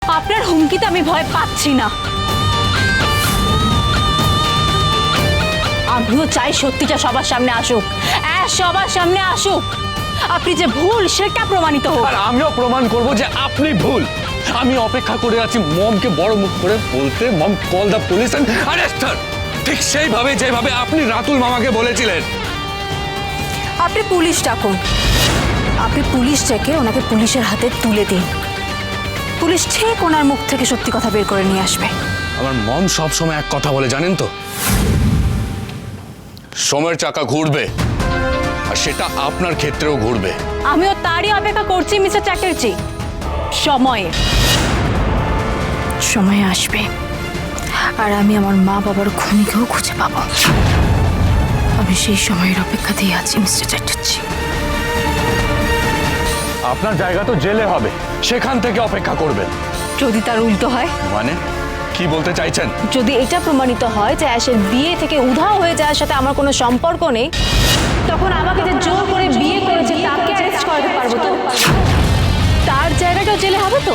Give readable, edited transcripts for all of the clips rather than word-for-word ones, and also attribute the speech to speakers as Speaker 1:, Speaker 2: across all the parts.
Speaker 1: আপনার হুমকিতে আমি ভয় পাচ্ছি না। আমিও চাই সত্যিটা সবার সামনে আসুক, সবার সামনে আসুক। আপনি যে ভুল সেটা প্রমাণিত হোক।
Speaker 2: আর আমিও প্রমাণ করব যে আপনি ভুল। আমি অপেক্ষা করে আছি মমকে বড় মুখ করে বলতে, mom call the police and arrest her. ঠিক সেইভাবে যেভাবে আপনি রাতুল মামাকে বলেছিলেন।
Speaker 1: আপনি পুলিশ ডাকুন, আপনি পুলিশ ডেকে ওনাকে পুলিশের হাতে তুলে দিন। পুলিশ ঠিক ওনার মুখ থেকে সত্যি কথা বের করে নিয়ে আসবে।
Speaker 2: আমার মম সব সময় এক কথা বলে জানেন তো, সময়ের চাকা ঘুরবে, আর সেটা আপনার ক্ষেত্রেও ঘুরবে।
Speaker 1: আমিও তারই অপেক্ষা করছি মিস্টার চ্যাটার্জি। সময় আসবে আর আমি আমার মা বাবার খুনিকেও খুঁজে পাবো। আমি সেই সময়ের অপেক্ষাতেই আছি মিস্টার চ্যাটার্জি।
Speaker 2: আপনার জায়গা তো জেলে হবে, সেখান থেকে অপেক্ষা করবেন।
Speaker 1: যদি তার উল্টো হয়?
Speaker 2: মানে কি বলতে চাইছেন?
Speaker 1: যদি এটা প্রমাণিত হয় যে অ্যাশের বিয়ে থেকে উধাও হয়ে যাওয়ার সাথে আমার কোনো সম্পর্ক নেই, তখন আমাকে যে জোর করে বিয়ে করেছে তাকে অ্যারেস্ট করাতে পারবো তো? তার জায়গাটাও জেলে হবে তো?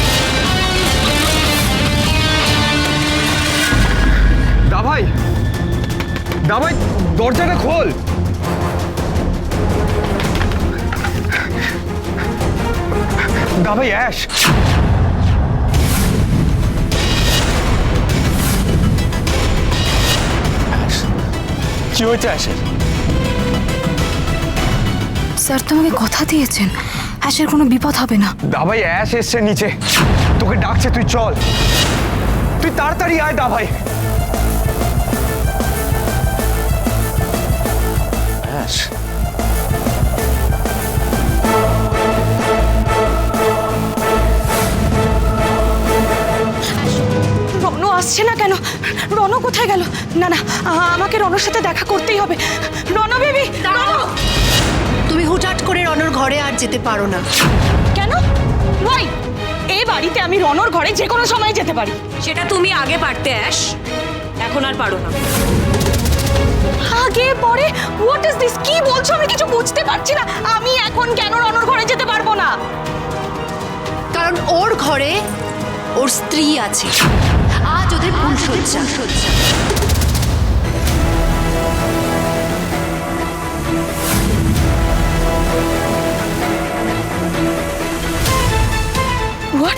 Speaker 2: দাভাই, দাভাই দরজাটা খোল। দাভাই অ্যাশ, কি হয়েছে অ্যাশের?
Speaker 1: স্যার তো আমাকে কথা দিয়েছেন অ্যাশের কোনো বিপদ হবে না।
Speaker 2: দাভাই অ্যাশ এসছে নিচে, তোকে ডাকছে, তুই চল, তুই তাড়াতাড়ি আয় দাভাই। অ্যাশ,
Speaker 3: রনু আসছে না কেন? রনু কোথায় গেল? না না, আমাকে রনুর সাথে দেখা করতেই হবে। রনু বেবি, রনু!
Speaker 4: তুমি হুটহাট করে রনর ঘরে আর যেতে পারো না।
Speaker 3: কেন? ওয়াই? এই বাড়িতে আমি রনর ঘরে যে কোনো সময় যেতে পারি।
Speaker 4: সেটা তুমি আগে পারতে অ্যাশ, এখন আর পারো না।
Speaker 3: আগে পরে? What is this? কি বলছো? আমি কিছু বুঝতে পারছি না। আমি এখন কেন রনর ঘরে যেতে পারবো না?
Speaker 4: কারণ ওর ঘরে ওর স্ত্রী আছে, আজ ওদের ফুলসজ্জা।
Speaker 3: হোয়াট?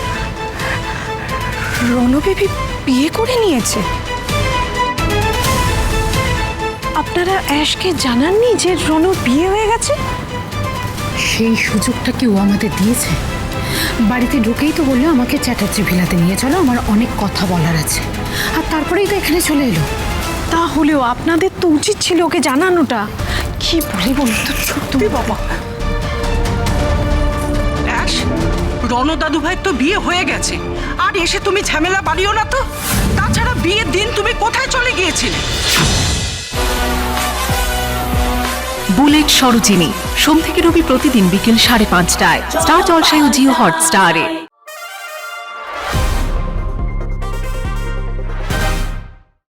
Speaker 3: রনু বেবি বিয়ে করে নিয়েছে? আপনারা অ্যাশকে জানাননি যে রনুর বিয়ে হয়ে গেছে?
Speaker 5: সেই সুযোগটা কি ও আমাদের দিয়েছে? বাড়িতে ঢুকেই তো বললো আমাকে চ্যাটার্জি ভিলাতে নিয়ে চলো, আমার অনেক কথা বলার আছে, আর তারপরেই তো এখানে চলে এলো।
Speaker 3: তাহলেও আপনাদের তো উচিত ছিল ওকে জানানোটা। কি বলি বলুন তো? সত্যি বাবা,
Speaker 6: অ্যাশ, রণ দাদু ভাই তো বিয়ে হয়ে গেছে, আর এসে তুমি ঝামেলা বাড়িও না তো। তাছাড়া বিয়ের দিন তুমি কোথায় চলে গিয়েছিলে?
Speaker 7: বুলেট সরোজিনী সোম থেকে রবি প্রতিদিন বিকেল 5:30টায় স্টার জলসায় ও জিও হটস্টারে।